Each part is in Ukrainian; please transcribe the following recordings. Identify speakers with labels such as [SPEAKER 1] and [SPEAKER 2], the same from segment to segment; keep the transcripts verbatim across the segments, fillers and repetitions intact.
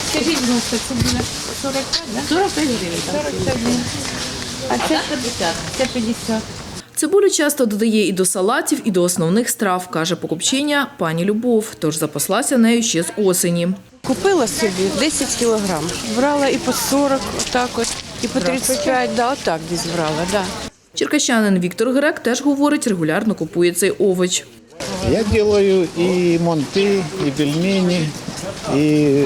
[SPEAKER 1] Скажіть, будь ласка, це буде сорок п'ять, так?
[SPEAKER 2] сорок п'ять гривень.
[SPEAKER 1] сорок п'ять гривень. А це п'ятдесят. Це п'ятдесят.
[SPEAKER 3] Цибулю часто додає і до салатів, і до основних страв, каже покупчиня пані Любов, тож запаслася нею ще з осені.
[SPEAKER 4] Купила собі десять кілограм. Брала і по сорок, отак от, і по тридцять п'ять, да, отак десь брала, да.
[SPEAKER 3] Черкащанин Віктор Грек теж говорить, регулярно купує цей овоч.
[SPEAKER 5] Я делаю и монты, и пельмени, и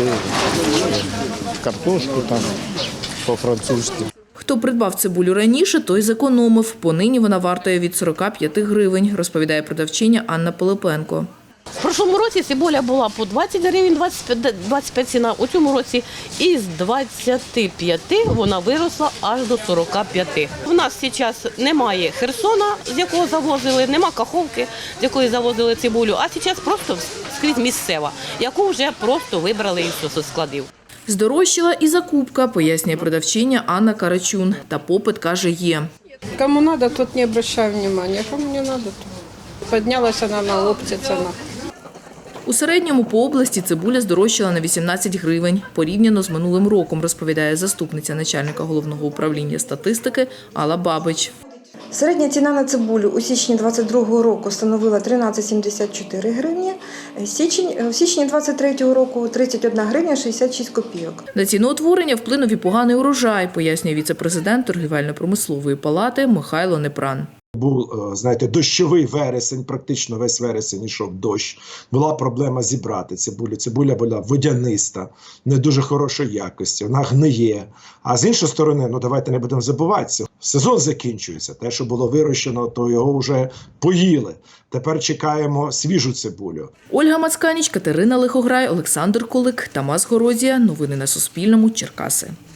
[SPEAKER 5] картошку там по-французски.
[SPEAKER 3] Хто придбав цибулю раніше, той зекономив. Понині вона вартує від сорока п'яти гривень, розповідає продавчиня Анна Пилипенко.
[SPEAKER 2] В прошлому році цибуля була по двадцять гривень, двадцять п'ять ціна. У цьому році із двадцяти п'яти вона виросла аж до сорока п'яти. У нас зараз немає Херсона, з якого завозили, нема Каховки, з якої завозили цибулю, а зараз просто скрізь місцева, яку вже просто вибрали із складів.
[SPEAKER 3] Здорожчала і закупка, пояснює продавчиня Анна Карачун. Та попит, каже, є.
[SPEAKER 4] Кому надо, тот не обращаю внимания, кому не надо, то поднялась она на опте цена.
[SPEAKER 3] У середньому по області цибуля здорожчала на вісімнадцять гривень. Порівняно з минулим роком, розповідає заступниця начальника головного управління статистики Алла Бабич.
[SPEAKER 6] Середня ціна на цибулю у січні двадцять другого року становила тринадцять сімдесят чотири гривні, січень, в січні двадцять третього року – тридцять одна гривня шістдесят шість копійок.
[SPEAKER 3] На ціноутворення вплинув і поганий урожай, пояснює віце-президент торгівельно-промислової палати Михайло Непран.
[SPEAKER 7] Був, знаєте, дощовий вересень, практично весь вересень йшов дощ. Була проблема зібрати цибулю. Цибуля була водяниста, не дуже хорошої якості, вона гниє. А з іншої сторони, ну давайте не будемо забуватися, сезон закінчується. Те, що було вирощено, то його вже поїли. Тепер чекаємо свіжу цибулю.
[SPEAKER 3] Ольга Мацканіч, Катерина Лихограй, Олександр Кулик, Тамас Горозія. Новини на Суспільному. Черкаси.